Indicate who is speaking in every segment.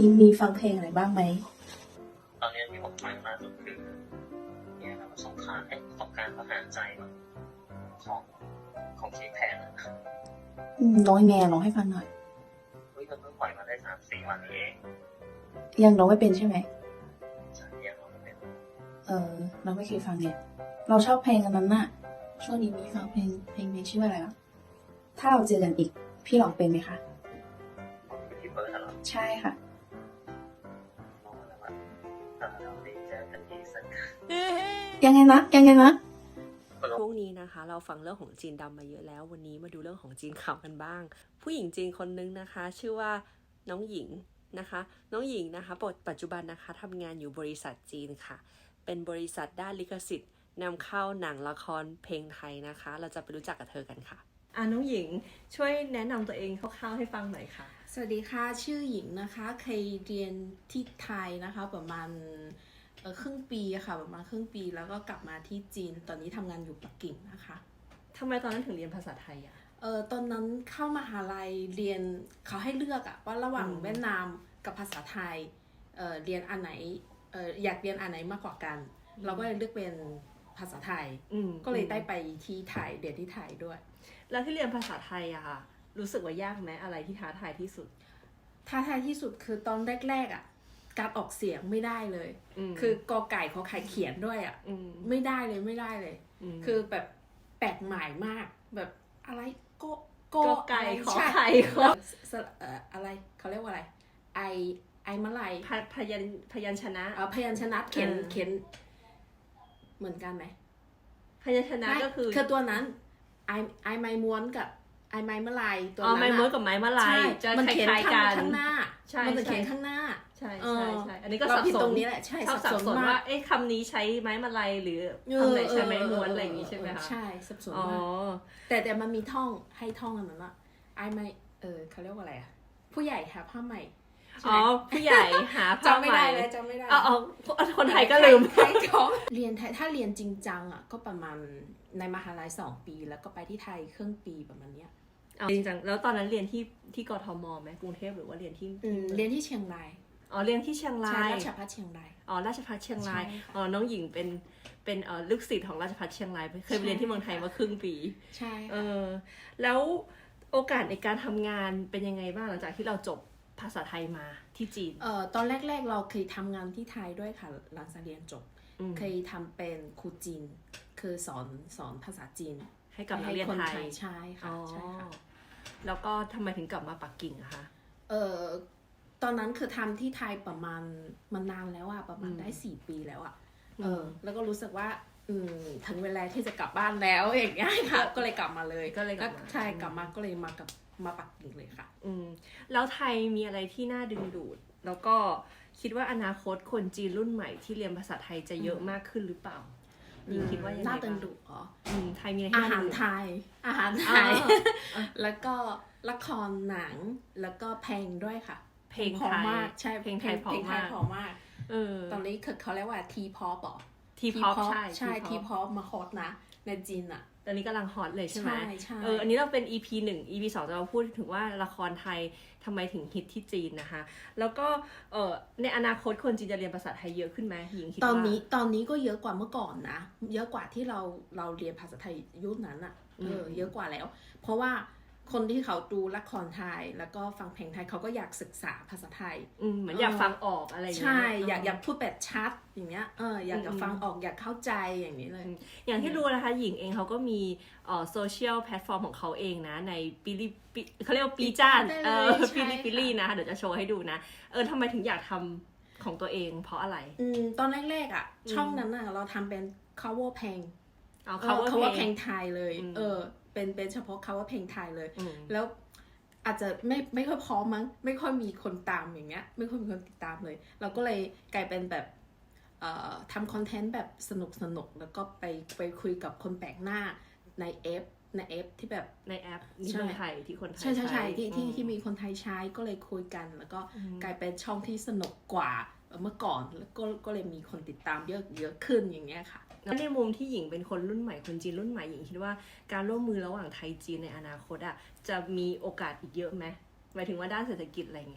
Speaker 1: มีฟังเพลงอะไรบ้างไหม
Speaker 2: ตอนนี้ที่ผมฟังล่าสุดคือเนี่ยครับสงครามทหารใจของของเค้กแพนนะ
Speaker 1: ร้องไงร้องให้ฟังหน่อย
Speaker 2: มันเพิ่งปล่อยมาได้3-4 วันนี้เอง
Speaker 1: ยังร้องไม่เป็นใช่ไหม
Speaker 2: ใช่ยังไม่เป็น
Speaker 1: เราไม่เคยฟังเนี่ยเราชอบเพลงอันนั้นน่ะช่วงนี้มีฟังเพลงชื่ออะไรวะถ้าเราเจอกันอีกพี่ร้องเป็นไหมคะ
Speaker 2: ที่เปิดเหรอ
Speaker 1: ใช่ค่ะ
Speaker 2: น้องอะไรวะถ้าเราได้เจอกันอีกสัก
Speaker 1: ยังไงนะ
Speaker 3: ช่วงนี้นะคะเราฟังเรื่องของจีนดำมาเยอะแล้ววันนี้มาดูเรื่องของจีนขาวกันบ้าง ผู้หญิงจีนคนนึงนะคะชื่อว่าน้องหญิงนะคะน้องหญิงนะคะปัจจุบันนะคะทำงานอยู่บริษัทจีนค่ะเป็นบริษัทด้านลิขสิทธิ์นำเข้าหนังละครเพลงไทยนะคะเราจะไปรู้จักกับเธอกันค่ะน้องหญิงช่วยแนะนำตัวเองคร่าวๆให้ฟังหน่อยค่ะ
Speaker 1: สวัสดีค่ะชื่อหญิงนะคะเคยเรียนที่ไทยนะคะประมาณครึ่งปีค่ะประมาณครึ่งปีแล้วก็กลับมาที่จีนตอนนี้ทำงานอยู่ปักกิ่งนะคะ
Speaker 3: ทำไมตอนนั้นถึงเรียนภาษาไทยอ่ะ
Speaker 1: ตอนนั้นเข้ามหาลัยเรียนเขาให้เลือกอะว่าระหว่างเวียดนามกับภาษาไทยเรียนอันไหนอยากเรียนอันไหนมากกว่ากันเราก็เลยเลือกเป็นภาษาไทยก็เลยได้ไปที่ไทยเรียนที่ไทยด้วย
Speaker 3: แล้วที่เรียนภาษาไทยอะค่ะรู้สึกว่ายากไหมอะไรที่ท้าทายที่สุด
Speaker 1: ท้าทายที่สุดคือตอนแรกๆอะการออกเสียงไม่ได้เลยคือกอไก่ขอไข่เขียนด้วยอะไม่ได้เลยคือแบบแปลกใหม่มากแบบอะไร
Speaker 3: กอไก่ขอไข่
Speaker 1: อะไรเขาเรียกว่าอะไรไอมะไล
Speaker 3: พยัญชนะ
Speaker 1: พยัญชนะเขียนเหมือนกันไหม
Speaker 3: พยัญชนะก็คือ
Speaker 1: ตัวนั้นไอไม้ม้วนกับไอไม้มะลายตัว
Speaker 3: นั้นไม้ม้วนกับไม้มะลายจะคล้ายๆกัน
Speaker 1: ข้างหน้ามันจะเขียนข้างหน้า
Speaker 3: ใช่อันนี้ก็สับสน
Speaker 1: ตรงนี้แหละใช่
Speaker 3: สับสนว่าคำนี้ใช้ไม้มะลายหรือคำไหนใช้ไม้ม้วนอะไรอย่างนี้ใช่ไหมคะ
Speaker 1: ใช่สับสนมากแต่มันมีท่องให้ท่องอันนั้นอะไอไม้เขาเรียกว่าอะไรอะผู้ใหญ่หาผ้าใหม่
Speaker 3: ผู้ใหญ่หาผ้าใหม่
Speaker 1: จำไม่ได้
Speaker 3: คนไทยก็ลืม
Speaker 1: เรียนไทยถ้าเรียนจริงจังอะก็ประมาณในมหาลัย2 ปีแล้วก็ไปที่ไทยครึ่งปีประมาณเนี้ย
Speaker 3: จริงจังแล้วตอนนั้นเรียนที่กทมไหมกรุงเทพหรือว่าเรียนที่
Speaker 1: เรียนที่เชียงราย
Speaker 3: เรียนที่เชียงราย
Speaker 1: ราชภัฏเชียงราย
Speaker 3: ราชภัฏเชียงรายน้องหญิงเป็นลูกศิษย์ของราชภัฏเชียงรายเคยไปเรียนที่เมืองไทยมาครึ่งปี
Speaker 1: ใช่
Speaker 3: แล้วโอกาสในการทำงานเป็นยังไงบ้างหลังจากที่เราจบภาษาไทยมาที่จีน
Speaker 1: ตอนแรกๆเราเคยทำงานที่ไทยด้วยค่ะหลังจากเรียนจบเคยทำเป็นครูจีนคือสอนภาษาจีน
Speaker 3: ให้กับนักเรียนไทย
Speaker 1: ใช่ค่ะ
Speaker 3: แล้วก็ทำไมถึงกลับมาปักกิ่งอะคะ
Speaker 1: ตอนนั้นคือทำที่ไทยประมาณมันนานแล้วอะประมาณได้4 ปีแล้วอะแล้วก็รู้สึกว่าถึงเวลาที่จะกลับบ้านแล้วอย่างเงี้ยค่ะก็เลยกลับมาเลยใช่กลับมาก็เลยมาปักกิ่งเลยค่ะ
Speaker 3: แล้วไทยมีอะไรที่น่าดึงดูดแล้วก็คิดว่าอนาคตคนจีนรุ่นใหม่ที่เรียนภาษาไทยจะเยอะมากขึ้นหรือเปล่าคิดว่ายังไง
Speaker 1: น่าดึงดูด
Speaker 3: ไทยมี
Speaker 1: อาหารไทยแล้วก็ละครหนังแล้วก็เพลงด้วยค่ะ
Speaker 3: เพลงไทย
Speaker 1: ใช่
Speaker 3: เพลงไทยพอ
Speaker 1: มากตอนนี้เขาเรียกว่าทีพอป
Speaker 3: ทีพอป
Speaker 1: ใช่ทีพอปมาฮอตนะในจีนอะ
Speaker 3: ตอนนี้กำลังฮอตเลยใช่ไหม
Speaker 1: ใช่
Speaker 3: อันนี้เราเป็น EP 1 EP 2จะมาพูดถึงว่าละครไทยทำไมถึงฮิตที่จีนนะคะแล้วก็ในอนาคตคนจีนจะเรียนภาษาไทยเยอะขึ้นไหมหญิงคิดว่า
Speaker 1: ตอนนี้ก็เยอะกว่าเมื่อก่อนนะเยอะกว่าที่เราเรียนภาษาไทยยุคนั้นอะเยอะกว่าแล้ว เพราะว่าคนที่เขาดูละครไทยแล้วก็ฟังเพลงไทยเขาก็อยากศึกษาภาษาไทย
Speaker 3: เหมือนอยากฟังออกอะไรอย่างเงี้ย
Speaker 1: ใช่อยากพูดแบบชัดอย่างเงี้ยอยากจะฟังออกอยากเข้าใจอย่างนี้เลย
Speaker 3: อย่างที่รู้นะคะหญิงเองเขาก็มีโซเชียลแพลตฟอร์มของเขาเองนะในเขาเรียกว่าปีจ้านปิลี่นะเดี๋ยวจะโชว์ให้ดูนะทำไมถึงอยากทำของตัวเองเพราะอะไร
Speaker 1: ตอนแรกๆอ่ะช่องนั้นน่ะเราทำเป็น cover เพลงcover เพลงไทยเลยเป็นเฉพาะcover เพลงไทยเลยแล้วอาจจะไม่ค่อยพร้อมมั้งไม่ค่อยมีคนตามอย่างเงี้ยไม่ค่อยมีคนติดตามเลยเราก็เลยกลายเป็นแบบทำคอนเทนต์แบบสนุกแล้วก็ไปคุยกับคนแปลกหน้าในแอปที่แบบ
Speaker 3: ในแอปนี่คนไทยที่คนไทย
Speaker 1: ใช่ที่มีคนไทยใช้ก็เลยคุยกันแล้วก็กลายเป็นช่องที่สนุกกว่าเมื่อก่อนแล้วก็เลยมีคนติดตามเยอะขึ้นอย่างเงี้ยค่ะ
Speaker 3: ในมุมที่หญิงเป็นคนรุ่นใหม่คนจีนรุ่นใหม่หญิงคิดว่าการร่วมมือระหว่างไทยจีนในอนาคตจะมีโอกาสอีกเยอะไหมหมายถึงว่าด้านเศรษฐกิจอะไรเงี้ย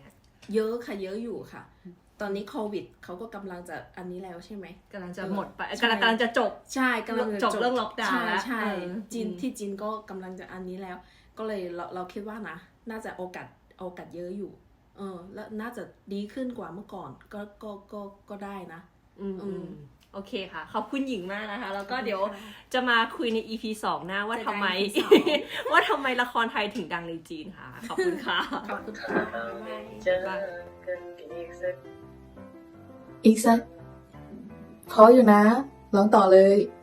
Speaker 1: เยอะค่ะเยอะอยู่ค่ะ ตอนนี้โควิดเขาก็กำลังจะอันนี้แล้วใช่ไหม
Speaker 3: กำลังจะหมดไปกำลังจะจบ
Speaker 1: ใช่กำลังจะ
Speaker 3: จบเรื่องล็อกดาวน์แล้ว
Speaker 1: ใช่จีนก็กำลังจะอันนี้แล้ว ก็เลยเราคิดว่านะน่าจะโอกาสเยอะอยู่แล้วน่าจะดีขึ้นกว่าเมื่อก่อนก็ได้นะ
Speaker 3: โอเคค่ะขอบคุณหญิงมากนะคะแล้วก็เดี๋ยวจะมาคุยใน EP 2 หน้าว่าทำไมละครไทยถึงดังในจีนค่ะขอบคุณค่ะ
Speaker 1: ขอบคุณค่ะ
Speaker 2: เจอกัน
Speaker 1: อีกสักเพราะอยู่นะร้องต่อเลย